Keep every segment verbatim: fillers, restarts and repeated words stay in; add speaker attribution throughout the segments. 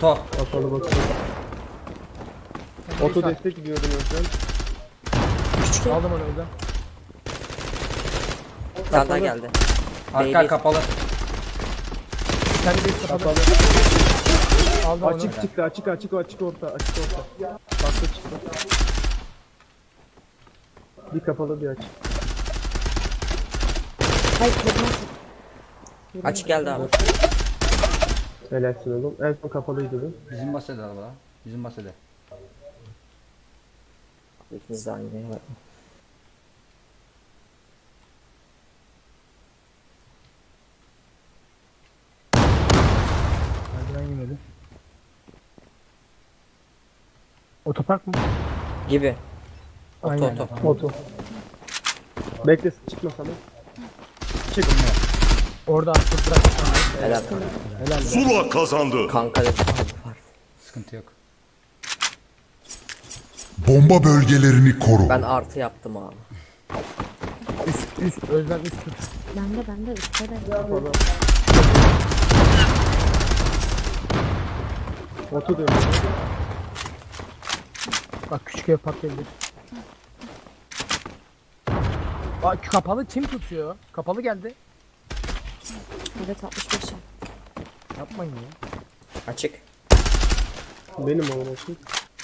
Speaker 1: Oto.
Speaker 2: Kapalı bakıyorum. Oto destek gidiyordum önden.
Speaker 3: Aldım onu önden.
Speaker 4: Bir tane daha geldi.
Speaker 1: Arka
Speaker 4: Baby.
Speaker 1: kapalı.
Speaker 3: Kendi base kapalı.
Speaker 2: Kapalı.
Speaker 3: Aldım onu.
Speaker 2: Açık çıktı, açık açık açık orta, açık orta. Farklı çıktı. Bir kapalı bir açık.
Speaker 5: Hayır kırmızı.
Speaker 4: Açık geldi abi.
Speaker 2: Helalsin oğlum. En son kapalıydı bu.
Speaker 1: Bizim basede araba. Bizim basede.
Speaker 4: İkiniz de aynı yere bak.
Speaker 3: Merdiven yemedi. Otopark mı?
Speaker 4: Gibi. Oto
Speaker 3: Aynen.
Speaker 4: oto.
Speaker 2: Oto. Bekle çıkma sana. Çık.
Speaker 3: Orada artık bırak.
Speaker 4: Helal.
Speaker 3: Helal.
Speaker 6: Zula kazandı.
Speaker 4: Kanka dedim abi var.
Speaker 1: Sıkıntı yok.
Speaker 7: Bomba bölgelerini koru.
Speaker 4: Ben artı yaptım abi.
Speaker 3: Üst üst özlem üst tut.
Speaker 5: Bende bende üstte de.
Speaker 2: Kapalı. Oto dönüyor.
Speaker 3: Bak küçük ev patlayabilir. Bak kapalı kim tutuyor? Kapalı geldi.
Speaker 5: Evet altmış beş.
Speaker 3: Yapmayın ya.
Speaker 4: Açık.
Speaker 2: Benim oğlum açık.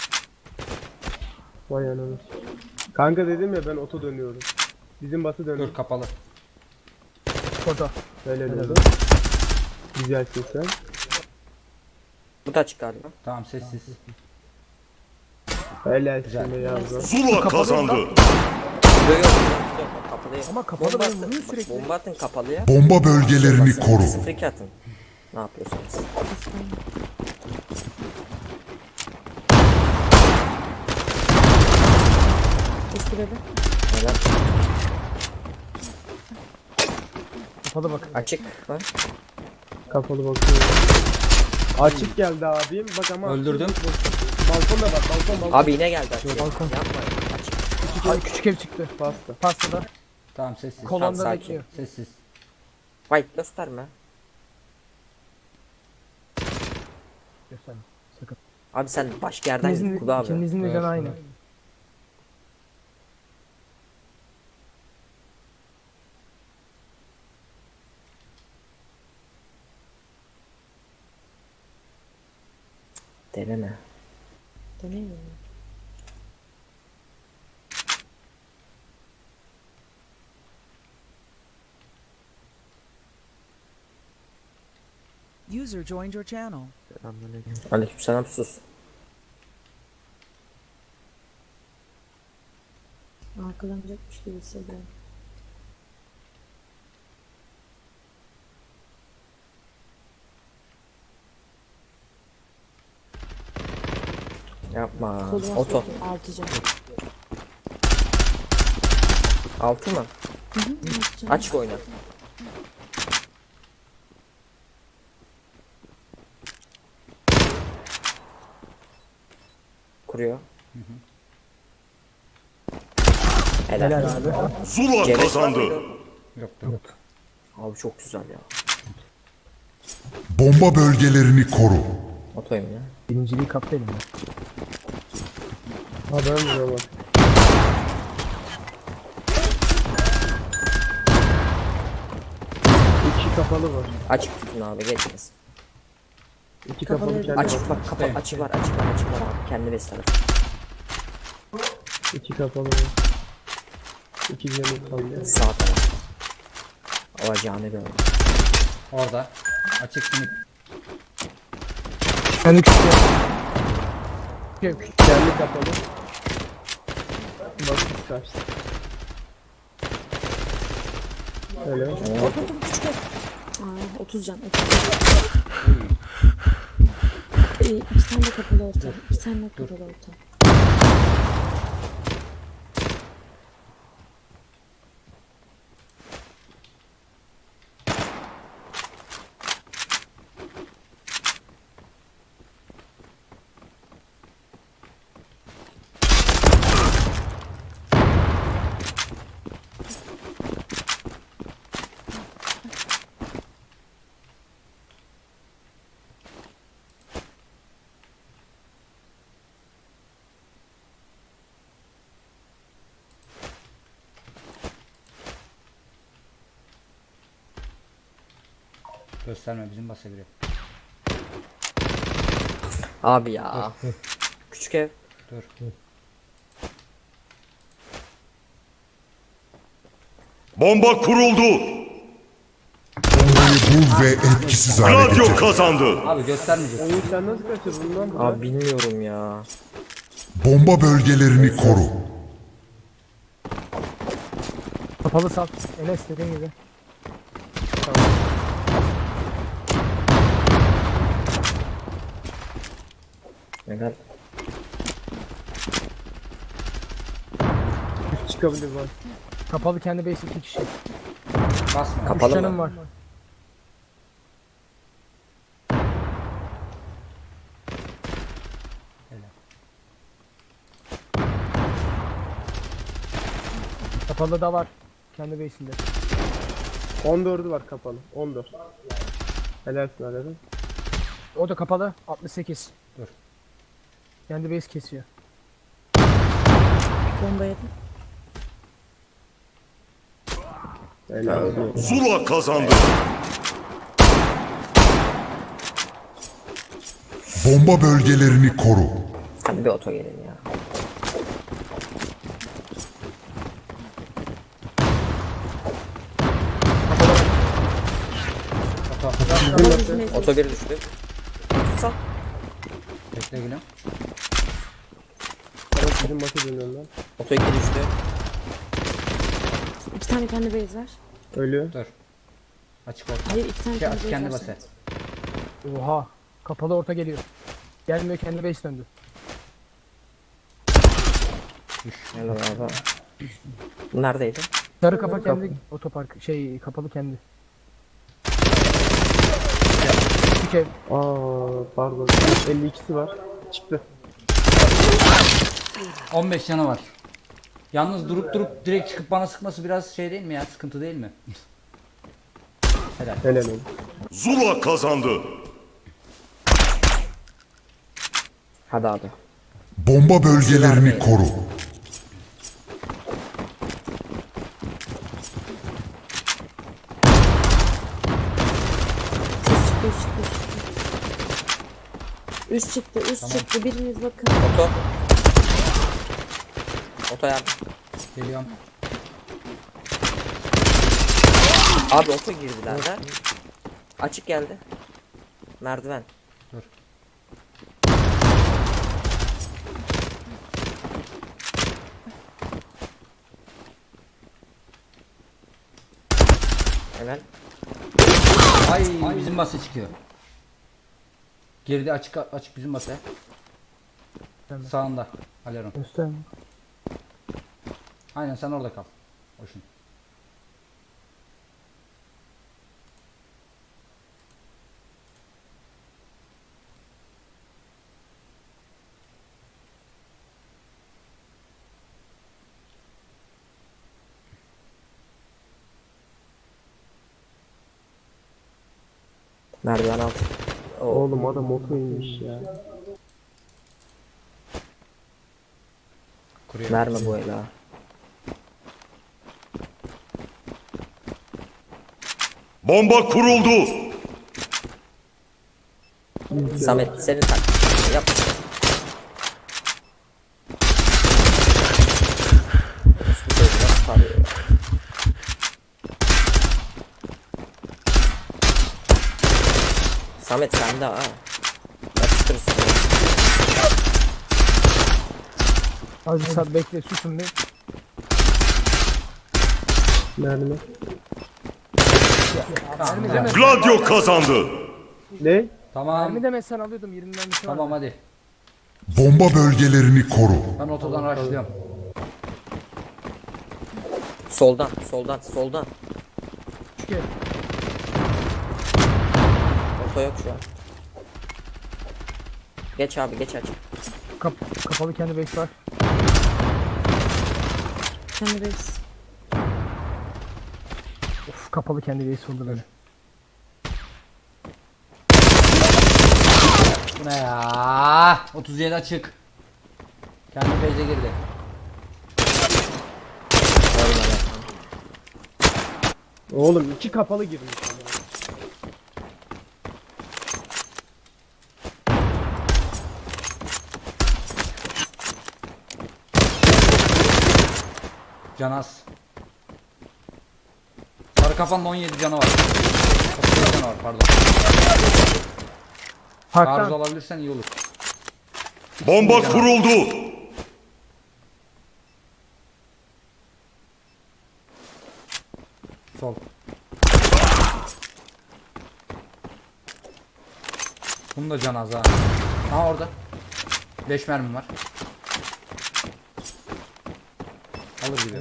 Speaker 2: Vay ananı. Kanka dedim ya ben oto dönüyorum. Bizim bası dönüyor.
Speaker 1: Dur kapalı.
Speaker 3: Orada.
Speaker 2: Öyle dedi. Güzelsin sen.
Speaker 4: Bu da açık galiba.
Speaker 1: Tamam sessiz.
Speaker 2: Helalsin be yavrum.
Speaker 6: Zula kazandı.
Speaker 4: Yok yok. yok. Kapalı yok.
Speaker 3: Ama kapalı
Speaker 4: Bomba
Speaker 3: benim
Speaker 4: atın.
Speaker 3: vuruyor
Speaker 4: Bak,
Speaker 3: sürekli.
Speaker 4: bomba atın kapalıya.
Speaker 7: Bomba bölgelerini koru.
Speaker 4: Sıfır iki atın. Ne yapıyorsunuz?
Speaker 5: Eski bebe.
Speaker 4: Helal.
Speaker 3: Kapalı bak.
Speaker 4: Açık var.
Speaker 2: Kapalı bakıyorum. Açık geldi abim. Bak ama.
Speaker 1: Öldürdüm.
Speaker 2: Balkonda bak balkon balkon.
Speaker 4: Abi yine geldi açık.
Speaker 3: Balkon.
Speaker 4: Yapma. Açık.
Speaker 3: Ay küçük ev çıktı.
Speaker 2: Pasta.
Speaker 3: Pastada.
Speaker 1: Tamam sessiz.
Speaker 3: Kolonda
Speaker 4: sakin.
Speaker 3: bekliyor.
Speaker 1: Sessiz.
Speaker 4: White gösterme.
Speaker 3: Göster. Sakın.
Speaker 4: Abi sen başka yerden git
Speaker 3: İkinizin,
Speaker 4: Kulu abi.
Speaker 3: ikinizin de
Speaker 1: Evet,
Speaker 3: canı aynı.
Speaker 1: evet.
Speaker 4: Deneme.
Speaker 5: Dönemiyorum.
Speaker 8: User joined your channel.
Speaker 4: Aleykümselam sus.
Speaker 5: Arkalanacakmış gibi hissediyorum.
Speaker 4: Yapma.
Speaker 5: Koluma
Speaker 4: Oto.
Speaker 5: soktum. Altı can.
Speaker 4: Altı mı?
Speaker 5: Hı hı. altı can.
Speaker 4: Açık oyna. Kuruyor. Helal.
Speaker 3: Helal abi.
Speaker 6: Zula
Speaker 4: Gerek var
Speaker 6: kazandı.
Speaker 4: mıydı?
Speaker 1: Yok yok.
Speaker 4: Abi çok güzel ya.
Speaker 7: Bomba bölgelerini koru.
Speaker 4: Otoyum ya.
Speaker 3: Birinciliği kaptı elimde.
Speaker 2: Ha ben vuruyorum bak. İki kapalı var.
Speaker 4: Açık tutun abi geçmez.
Speaker 2: İki
Speaker 5: Kapalı
Speaker 2: kapalı
Speaker 5: değil.
Speaker 2: kendi
Speaker 4: Açık
Speaker 2: var.
Speaker 4: bak kapa açık var açık var açık var abi. Kendi bes tarafı.
Speaker 2: İki kapalı var. İki canı kaldı.
Speaker 4: Sağ taraf. Alacağını gördüm.
Speaker 1: Orada. Açık sinip.
Speaker 3: Kendi küçük ev. Küçük ev.
Speaker 2: Kendi kapalı. Bak kaçtı. Öyle.
Speaker 5: Aa, otuz can. otuz can. Ee, bir tane de kapalı orta. Bir tane de kapalı orta.
Speaker 1: Gösterme bizim basa giriyor.
Speaker 4: Abi ya. Küçük ev.
Speaker 1: Dur.
Speaker 6: Bomba kuruldu.
Speaker 7: Bombayı bul ve etkisiz hale
Speaker 6: Gladio
Speaker 7: getir.
Speaker 6: kazandı.
Speaker 1: Abi göstermeyecek.
Speaker 2: Oyun sen nasıl kaçırdın lan bunu?
Speaker 4: Abi bilmiyorum ya.
Speaker 7: Bomba bölgelerini koru.
Speaker 3: Kapalı sat. Enes dediğin gibi.
Speaker 4: Neden?
Speaker 2: Üst çıkabilir bak.
Speaker 3: Kapalı kendi base iki kişi.
Speaker 1: Basma.
Speaker 3: Üç
Speaker 4: Kapalı
Speaker 3: canım
Speaker 4: mı?
Speaker 3: var. Kapalı da var. Kendi base'inde.
Speaker 2: on dördü var kapalı. on dört. Helalsin Alev'im.
Speaker 3: O da kapalı. altmış sekiz.
Speaker 1: Dur.
Speaker 3: Kendi base kesiyor.
Speaker 5: Bomba yedim.
Speaker 2: Helal olsun.
Speaker 6: Zula kazandı.
Speaker 7: Bomba bölgelerini koru.
Speaker 4: Hadi bir oto gelin ya.
Speaker 5: Kapalı bizim ev.
Speaker 4: Oto bir düştü. Sal.
Speaker 1: Bekle gülüm.
Speaker 2: Evet bizim maçı dönüyorum lan.
Speaker 4: Oto iki düştü.
Speaker 5: İki tane kendi base var.
Speaker 2: Ölüyor.
Speaker 1: Dur. Açık orta.
Speaker 5: Hayır iki tane
Speaker 1: Şey,
Speaker 5: kendi
Speaker 1: aç
Speaker 5: base
Speaker 1: kendi
Speaker 5: var.
Speaker 1: basa.
Speaker 3: Oha. Kapalı orta geliyor. Gelmiyor, kendi base döndü.
Speaker 4: Helal abi. Bu neredeydi?
Speaker 3: Sarı kafa kendi otopark şey kapalı kendi. Küçük ev.
Speaker 2: Aa pardon. elli ikisi var. Çıktı.
Speaker 1: on beş canı var. Yalnız durup durup direkt çıkıp bana sıkması biraz şey değil mi ya? Sıkıntı değil mi? Helal.
Speaker 2: Helal olsun.
Speaker 6: Zula kazandı.
Speaker 4: Hadi abi.
Speaker 7: Bomba bölgelerini koru.
Speaker 5: Üst çıktı, üst çıktı, üst çıktı. Üst çıktı, biriniz bakın.
Speaker 4: Oto. Oto yardım.
Speaker 1: Geliyorum.
Speaker 4: Abi oto girdiler de. Açık geldi. Merdiven.
Speaker 1: Dur.
Speaker 4: Hemen.
Speaker 1: Ay, bizim basa çıkıyor. Geride açık açık bizim basa.
Speaker 3: Tamam.
Speaker 1: Sağında. Aleron.
Speaker 3: Üstte.
Speaker 1: Aynen sen orada kal. Hoşun.
Speaker 4: Merdiven altı. Oo.
Speaker 2: Oğlum adam moto inmiş ya.
Speaker 1: Kuruyor.
Speaker 4: Verme bu el ha.
Speaker 6: Bomba kuruldu.
Speaker 4: Samet senin tak. Yap. Bu çocuğu nasıl tarıyor ya? Samet sende ha. Yapıştır üstüne.
Speaker 3: Az bir saat bekle, susun bir.
Speaker 2: Mermi.
Speaker 3: Mermi deme.
Speaker 6: Gladio kazandı.
Speaker 2: Ne?
Speaker 1: Tamam.
Speaker 3: Mermi demesen alıyordum, yirmi mermisi var.
Speaker 1: Tamam hadi.
Speaker 7: Bomba bölgelerini koru.
Speaker 1: Ben otodan rushlıyorum.
Speaker 4: Soldan, soldan, soldan.
Speaker 3: Küçük ev.
Speaker 4: Oto yok şu an. Geç abi, geç aç.
Speaker 3: Kap kapalı kendi base var.
Speaker 5: Kendi base.
Speaker 3: Of, kapalı kendi base oldu böyle.
Speaker 1: Bu ne ya? otuz yedi açık. Kendi base'e girdi.
Speaker 2: Oğlum iki kapalı girmiş.
Speaker 1: Can az. Sarı kafanın on yedi canı var. otuz yedi canı var pardon. Arız
Speaker 3: Haktan.
Speaker 1: alabilirsen iyi olur.
Speaker 6: Bomba kuruldu.
Speaker 1: Sol. Bunun da canı az ha. Ha orada. beş mermim var. Alır gibi.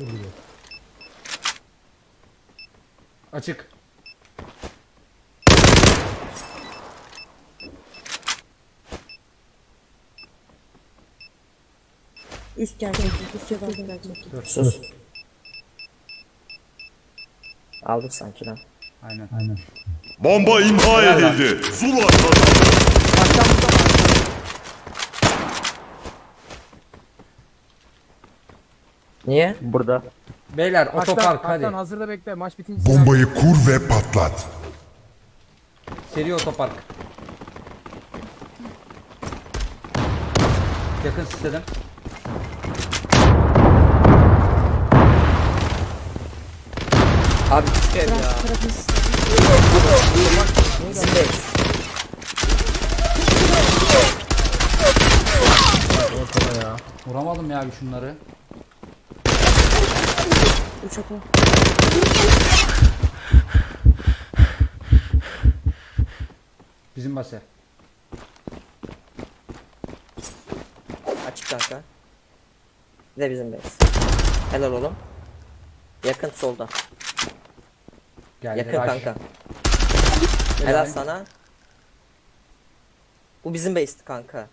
Speaker 1: Açık.
Speaker 5: Üst gelecek. Üst yabancı gelecek.
Speaker 4: Sus. Aldık sanki lan.
Speaker 1: Aynen.
Speaker 6: Bomba imha edildi. Zula kazandı.
Speaker 4: Niye?
Speaker 2: Burada.
Speaker 1: Beyler
Speaker 3: Haktan,
Speaker 1: otopark hadi.
Speaker 3: Haktan hazırda bekle. Maç bitince silah-
Speaker 7: Bombayı kur ve patlat.
Speaker 1: Seri otopark. Yakın istedim.
Speaker 4: Abi küçük ev ya.
Speaker 5: Tarafını istedim.
Speaker 4: Bizim değil.
Speaker 1: Vuramadım ya bir şunları.
Speaker 5: Üç oto.
Speaker 1: Bizim base.
Speaker 4: Açık kanka. Bir de bizim base. Helal oğlum. Yakın solda.
Speaker 1: Geldi.
Speaker 4: Yakın
Speaker 1: Rush.
Speaker 4: kanka. Helal sana. Bu bizim base'ti kanka.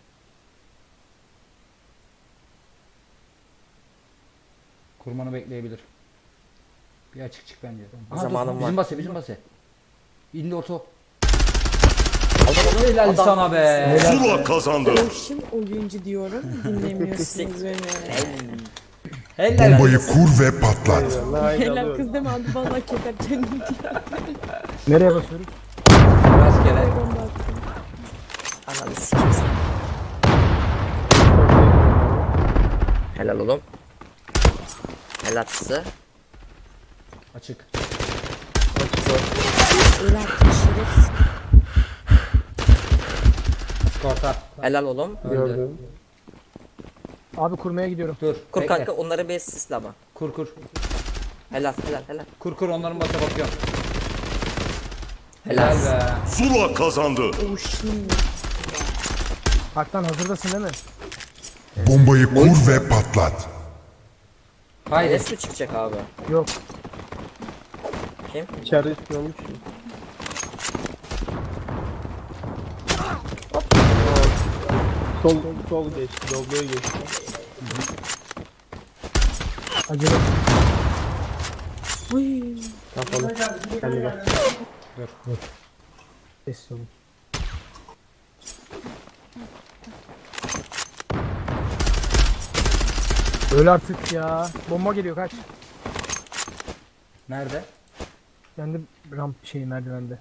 Speaker 1: Kurmanı bekleyebilir. Bir açık çık bence. Aha,
Speaker 4: Zamanım
Speaker 1: dur, Bizim
Speaker 4: var.
Speaker 1: base, bizim base. İndi orta.
Speaker 4: Adam adam
Speaker 1: Helal
Speaker 4: adam.
Speaker 1: sana be.
Speaker 6: Zula kazandı.
Speaker 5: Boşum oyuncu diyorum. Dinlemiyorsunuz beni.
Speaker 1: Helal.
Speaker 7: Bombayı kur ve patlat.
Speaker 5: Helal kız deme abi. Vallahi keter kendim diye.
Speaker 3: Nereye basıyoruz?
Speaker 1: Rastgele.
Speaker 5: Bomba attım.
Speaker 4: Ananı sikeyim sen. Helal oğlum. Helal size.
Speaker 1: Açık.
Speaker 5: Helal şeref.
Speaker 1: Açık orta.
Speaker 4: Helal oğlum.
Speaker 1: Öldü.
Speaker 2: Gördüm.
Speaker 3: Abi kurmaya gidiyorum.
Speaker 1: Dur.
Speaker 4: Kur
Speaker 1: bekle.
Speaker 4: kanka onları base sisle ama.
Speaker 1: Kur kur.
Speaker 4: Helal helal helal.
Speaker 1: Kur kur onların basa bakıyorum.
Speaker 4: Helal.
Speaker 1: Helal be.
Speaker 6: Zula kazandı.
Speaker 5: Boşum.
Speaker 3: Haktan hazırdasın değil mi?
Speaker 7: Bombayı kur ve patlat.
Speaker 1: Haydi.
Speaker 4: Enes mi çıkacak abi?
Speaker 3: Yok.
Speaker 4: Kim?
Speaker 2: İçeride istiyormuş. Sol sol geçti. Dobloya geçti.
Speaker 3: Acele.
Speaker 5: Uy.
Speaker 2: Kapalı. Kendi gel.
Speaker 3: Sessiz olun. Öl artık ya. Bomba geliyor kaç.
Speaker 1: Nerede?
Speaker 3: Kendi ramp şey merdivende.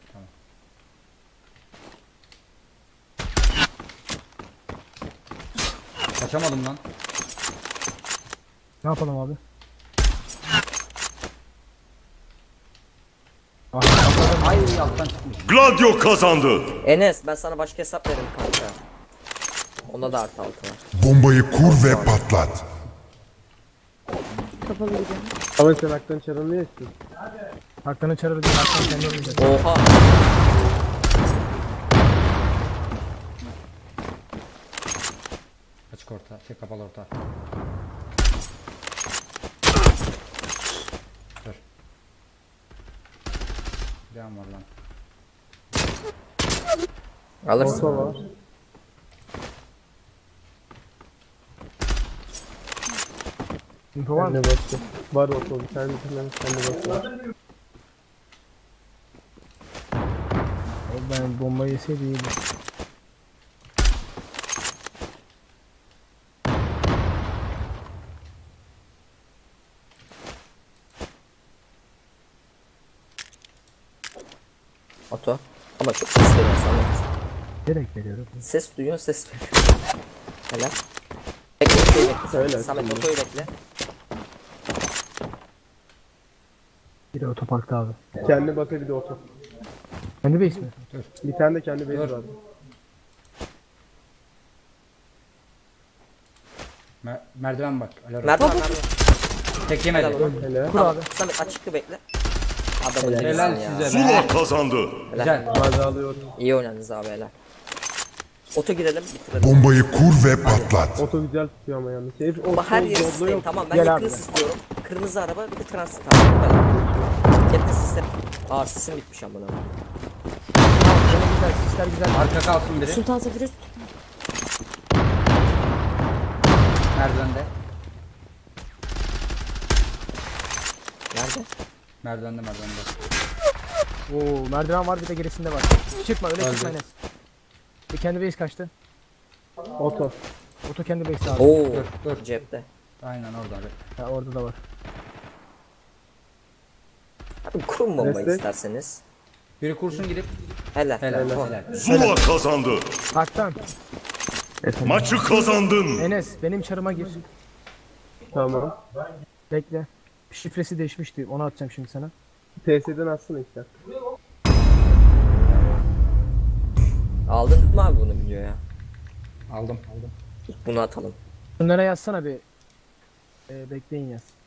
Speaker 1: Kaçamadım lan.
Speaker 3: Ne yapalım abi?
Speaker 1: Ay alttan çıkmış.
Speaker 6: Gladio kazandı.
Speaker 4: Enes ben sana başka hesap veririm kanka. Onda da artı altı var.
Speaker 7: Bombayı kur ve patlat.
Speaker 5: Kapalı gidiyorum.
Speaker 2: Ama sen haktan çarını niye istiyorsun?
Speaker 3: Haktan'ı çağırır diye Haktan kendi oynayacak.
Speaker 4: Oha.
Speaker 1: Açık orta. Şey kapalı orta. Dur. Can var lan.
Speaker 4: Alırsın.
Speaker 2: Orta var.
Speaker 3: Info var mı?
Speaker 2: Kendi bastı. Var orta. Bir tane bir tane kendi bastı.
Speaker 3: Ben bombayı yeseydi iyiydi.
Speaker 4: Oto. Ama çok ses veriyor Samet.
Speaker 3: Direkt veriyorum.
Speaker 4: Ses duyuyor ses veriyor. Helal. Bekle otoyu bekle.
Speaker 2: Öyle.
Speaker 4: Samet otoyu bekle.
Speaker 3: Biri otoparkta abi.
Speaker 2: Kendi basa bir de oto.
Speaker 3: Kendi base mi?
Speaker 2: Bir tane de kendi base
Speaker 1: Dur.
Speaker 2: var.
Speaker 1: Mer- merdiven bak. Alarm.
Speaker 4: Merdiven merdiven.
Speaker 1: Tek
Speaker 4: Helal
Speaker 1: yemedi.
Speaker 4: oğlum.
Speaker 2: Hele.
Speaker 3: Kur
Speaker 4: Tamam.
Speaker 3: abi.
Speaker 4: Samet açıklı bekle. Adamın
Speaker 1: Helal
Speaker 4: dibisin ya.
Speaker 1: size be.
Speaker 6: Zula kazandı.
Speaker 1: Güzel.
Speaker 2: Baza alıyor.
Speaker 4: İyi oynadınız abi helal. Oto girelim bitirelim.
Speaker 7: Bombayı kur ve patlat.
Speaker 2: Oto güzel tutuyor ama yalnız. Herif o
Speaker 4: Bak her yeri
Speaker 2: yolda
Speaker 4: sistem
Speaker 2: yok.
Speaker 4: tamam ben
Speaker 3: Gel
Speaker 4: yakını
Speaker 3: abi.
Speaker 4: istiyorum. Kırmızı araba bir de transit tamam bu kadar. Yakın sistem. Aa sistem bitmiş amına.
Speaker 3: Böyle güzel, sisler güzel.
Speaker 1: Arka kalsın biri.
Speaker 5: Sultan Zafer üst.
Speaker 1: Merdivende.
Speaker 4: Nerede?
Speaker 1: Merdivende merdivende.
Speaker 3: Oo, merdiven var bir de gerisinde var. Çıkma öyle
Speaker 1: Öldü.
Speaker 3: çıkma Enes. Bir kendi base kaçtı.
Speaker 2: Oto.
Speaker 3: Oto kendi base abi.
Speaker 4: Oo
Speaker 1: Dur dur.
Speaker 4: cepte.
Speaker 1: Aynen orada abi.
Speaker 3: Ha, orada da var.
Speaker 4: Abi kurun bombayı
Speaker 2: Destek.
Speaker 4: isterseniz.
Speaker 1: Biri kursun gidip.
Speaker 4: Helal.
Speaker 1: Helal
Speaker 4: Oh.
Speaker 1: helal.
Speaker 6: Zula kazandı.
Speaker 3: Haktan.
Speaker 6: Maçı kazandın.
Speaker 3: Enes benim çarıma gir.
Speaker 2: Tamam.
Speaker 3: Bekle. Şifresi değişmişti. Onu atacağım şimdi sana.
Speaker 2: T S'den atsana işte.
Speaker 4: Aldın mı abi bunu videoya?
Speaker 1: Aldım. Aldım.
Speaker 4: Bunu atalım.
Speaker 3: Bunlara yazsana bir. Ee, bekleyin yaz.